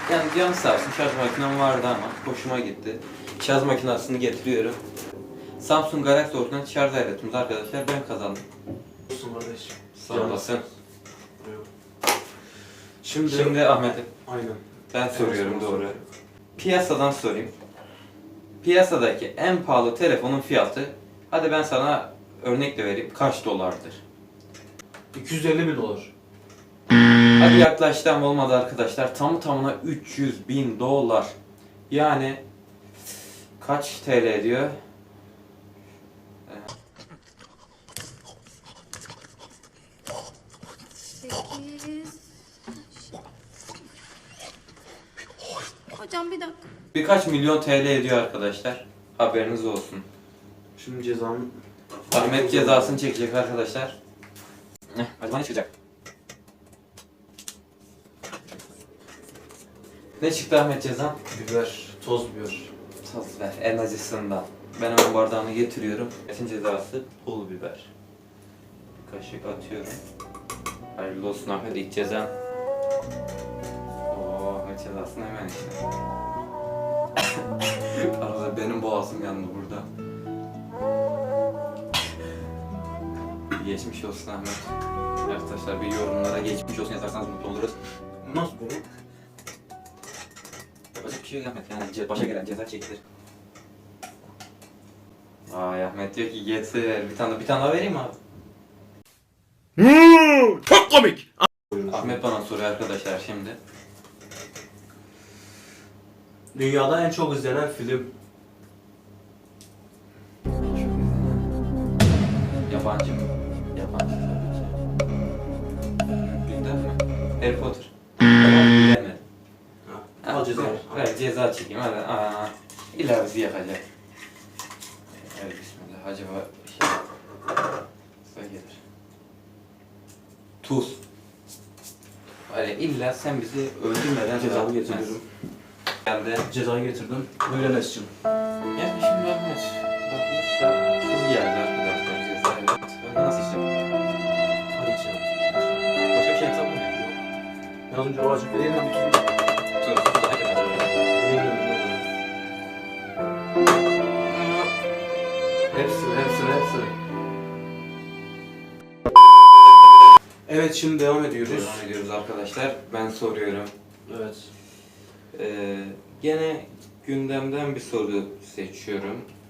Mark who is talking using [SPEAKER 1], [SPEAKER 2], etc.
[SPEAKER 1] Yani canı sağ olsun, şarj makinem vardı ama hoşuma gitti. Şarj makinesini getiriyorum. Samsung Galaxy orijinal şarj aletimiz arkadaşlar, ben kazandım.
[SPEAKER 2] Olsun kardeşim.
[SPEAKER 1] Sağ olasın.
[SPEAKER 2] Yok.
[SPEAKER 1] Şimdi Ahmet'im,
[SPEAKER 2] Aynen.
[SPEAKER 1] ben soruyorum
[SPEAKER 2] Evet,
[SPEAKER 1] doğru. Piyasadan sorayım. Piyasadaki en pahalı telefonun fiyatı, hadi ben sana örnek de vereyim, kaç dolardır?
[SPEAKER 2] 250.000 dolar.
[SPEAKER 1] Hadi yaklaştı ama olmadı arkadaşlar. Tamı tamına 300.000 dolar. Yani kaç TL ediyor?
[SPEAKER 3] Hocam bir dakika.
[SPEAKER 1] Birkaç milyon TL ediyor arkadaşlar. Haberiniz olsun.
[SPEAKER 2] Şimdi cezam...
[SPEAKER 1] Ahmet cezasını çekecek arkadaşlar. Acaba ne çıkacak? Ne çıktı Ahmet cezan?
[SPEAKER 2] Biber. Toz biber.
[SPEAKER 1] Tuz ver, en acısından. Ben hemen bardağını getiriyorum. Etin cezası pul biber. Bir kaşık atıyorum. Hayırlı olsun Ahmet, ilk cezan. Oo, Ahmet cezasını hemen işte. Arada benim boğazım yandı burada. Geçmiş olsun Ahmet. Arkadaşlar bir yorumlara geçmiş olsun yazarsanız mutlu oluruz.
[SPEAKER 2] Nasıl bu?
[SPEAKER 1] Yapacak bir şey yok Ahmet, yani başa gelen ceza çekilir. Vay, Ahmet diyor ki yeter, bir tane daha vereyim mi abi?
[SPEAKER 4] Çok komik.
[SPEAKER 1] Ahmet bana soruyor arkadaşlar şimdi.
[SPEAKER 2] Dünyada en çok izlenen film.
[SPEAKER 1] Yabancı mı? Yabancı tabii ki. Gündem mi? Harry Potter. Tamam, bilemedim.
[SPEAKER 2] Al ceza.
[SPEAKER 1] Ver ceza çekeyim hadi. Aa, illa bizi yakacak. Hadi bismillah. Acaba şey gelir. Tuz. Öyle illa sen bizi öldürmeden
[SPEAKER 2] Cezamı
[SPEAKER 1] ceza
[SPEAKER 2] getiriyorum.
[SPEAKER 1] Geldi.
[SPEAKER 2] Cezayı getirdim. Buyur Enes'cim.
[SPEAKER 1] Yani şimdi Ahmet bakmışsa tuz geldi arkadaşlar cezayla. Ben nasıl içeceğim?
[SPEAKER 2] Hadi içelim.
[SPEAKER 1] Başka bir şey yapsam mı?
[SPEAKER 2] Az önce o acı vereyim mi?
[SPEAKER 1] Tuz.
[SPEAKER 2] Hepsini. Evet, şimdi devam ediyoruz.
[SPEAKER 1] Devam ediyoruz arkadaşlar. Ben soruyorum.
[SPEAKER 2] Evet.
[SPEAKER 1] Gene gündemden bir soru seçiyorum.